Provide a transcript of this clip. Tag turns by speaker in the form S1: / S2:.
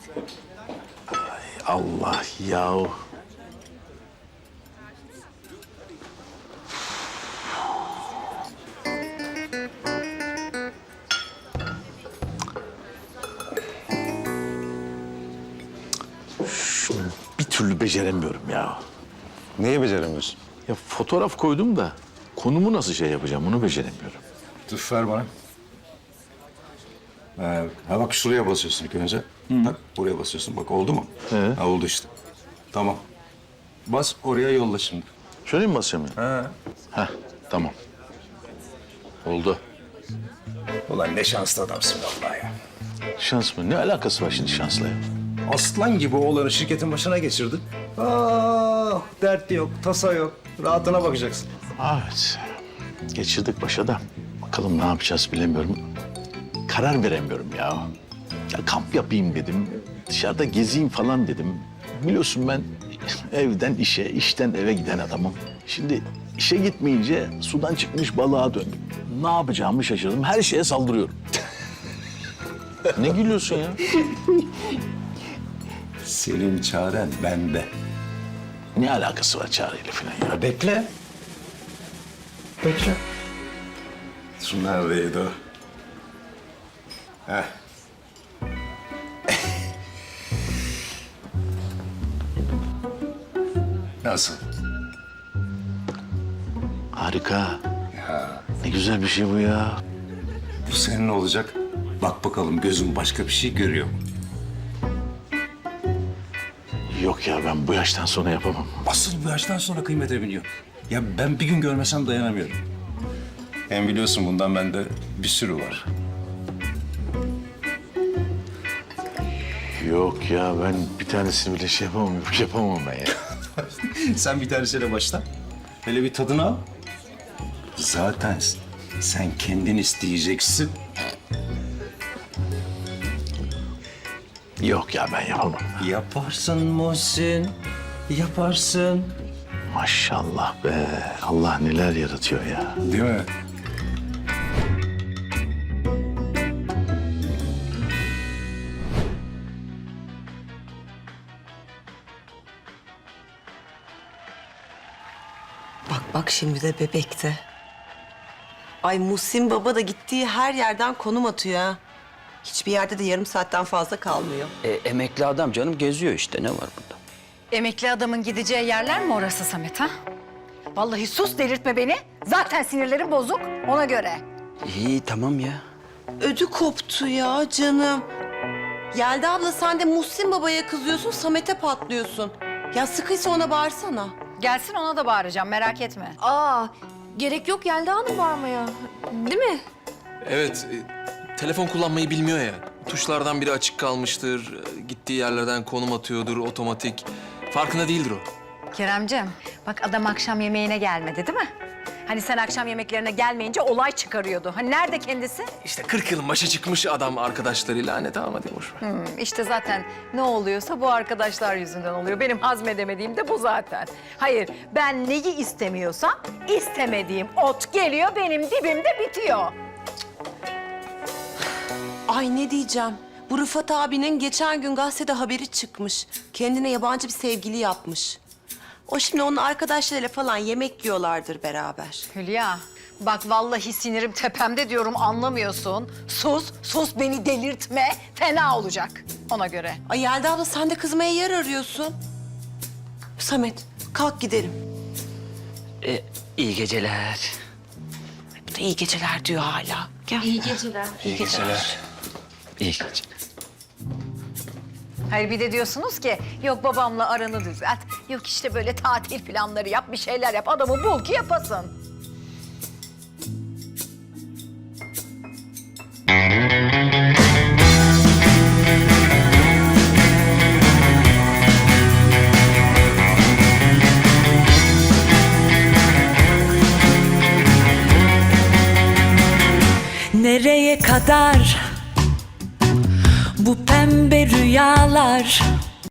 S1: Allah yahu. Şunu bir türlü beceremiyorum ya.
S2: Neyi beceremiyorsun?
S1: Ya fotoğraf koydum da konumu nasıl şey yapacağım onu beceremiyorum.
S2: Dur ver bana. Ha bak şuraya basıyorsun ilk önce. Bak buraya basıyorsun. Bak oldu mu?
S1: He.
S2: Ha oldu işte. Tamam. Bas oraya yolla şimdi.
S1: Şöyle mi basayım?
S2: Ha.
S1: Heh, tamam. Oldu.
S2: Ulan ne şanslı adamsın vallahi ya.
S1: Şans mı? Ne alakası var şimdi şansla ya?
S2: Aslan gibi oğlanı şirketin başına geçirdin. Dert yok, tasa yok. Rahatına bakacaksın.
S1: Evet. Geçirdik başa da. Bakalım ne yapacağız bilemiyorum. Karar veremiyorum ya. Ya kamp yapayım dedim. Dışarıda gezeyim falan dedim. Biliyorsun ben evden işe, işten eve giden adamım. Şimdi işe gitmeyince sudan çıkmış balığa döndüm. Ne yapacağımı şaşırdım. Her şeye saldırıyorum. Ne gülüyorsun ya?
S2: Senin çaren bende.
S1: Ne alakası var çareyle falan ya?
S2: Bekle. Bekle. Şu neredeydi o? Heh. Nasıl?
S1: Harika. Ne güzel bir şey bu ya.
S2: Bu senin olacak. Bak bakalım gözün başka bir şey görüyor mu?
S1: Yok ya ben bu yaştan sonra yapamam.
S2: Asıl bu yaştan sonra kıymete biniyor. Ya ben bir gün görmesem dayanamıyorum. Hem biliyorsun bundan bende bir sürü var.
S1: Yok ya ben bir tanesini bile şey yapamam, yapamam ben ya.
S2: Sen bir tanesiyle başla. Hele bir tadını al. Zaten sen kendin isteyeceksin.
S1: Yok ya ben yapamam.
S2: Yaparsın Muhsin, yaparsın.
S1: Maşallah be. Allah neler yaratıyor ya.
S2: Değil mi?
S3: Bak şimdi de bebekte. Ay Muhsin Baba da gittiği her yerden konum atıyor ha. Hiçbir yerde de yarım saatten fazla kalmıyor.
S4: Emekli adam canım geziyor işte ne var burada?
S5: Emekli adamın gideceği yerler mi orası Samet ha? Vallahi sus delirtme beni. Zaten sinirlerim bozuk ona göre.
S4: İyi tamam ya.
S3: Ödü koptu ya canım. Yelda abla sen de Muhsin Baba'ya kızıyorsun, Samet'e patlıyorsun. Ya sıkıysa ona bağırsana.
S5: Gelsin ona da bağıracağım merak etme.
S6: Aa, gerek yok Yelda Hanım bağırmaya. Değil mi?
S7: Evet, telefon kullanmayı bilmiyor ya. Tuşlardan biri açık kalmıştır, gittiği yerlerden konum atıyordur otomatik. Farkında değildir o.
S5: Keremcim bak adam akşam yemeğine gelmedi değil mi? Hani sen akşam yemeklerine gelmeyince olay çıkarıyordu. Hani nerede kendisi?
S7: İşte 40 yılın başa çıkmış adam arkadaşlarıyla. Hani tamam hadi boş ver.
S5: İşte zaten ne oluyorsa bu arkadaşlar yüzünden oluyor. Benim hazmedemediğim de bu zaten. Hayır, ben neyi istemiyorsam istemediğim ot geliyor benim dibimde bitiyor.
S3: Ay ne diyeceğim. Bu Rıfat abinin geçen gün gazetede haberi çıkmış. Kendine yabancı bir sevgili yapmış. O şimdi onun arkadaşlarıyla falan yemek yiyorlardır beraber.
S5: Hülya, bak vallahi sinirim tepemde diyorum anlamıyorsun. Sus beni delirtme. Fena olacak ona göre.
S3: Ay Yelda abla sen de kızmaya yer arıyorsun. Samet kalk gidelim.
S4: İyi geceler.
S3: Bu da iyi geceler diyor hala. Gel.
S6: İyi geceler.
S4: İyi geceler. İyi geceler.
S5: Hayır bir de diyorsunuz ki yok babamla aranı düzelt. Yok işte böyle tatil planları yap, bir şeyler yap. Adamı bul ki yapasın.
S8: Nereye kadar bu pembe rüyalar?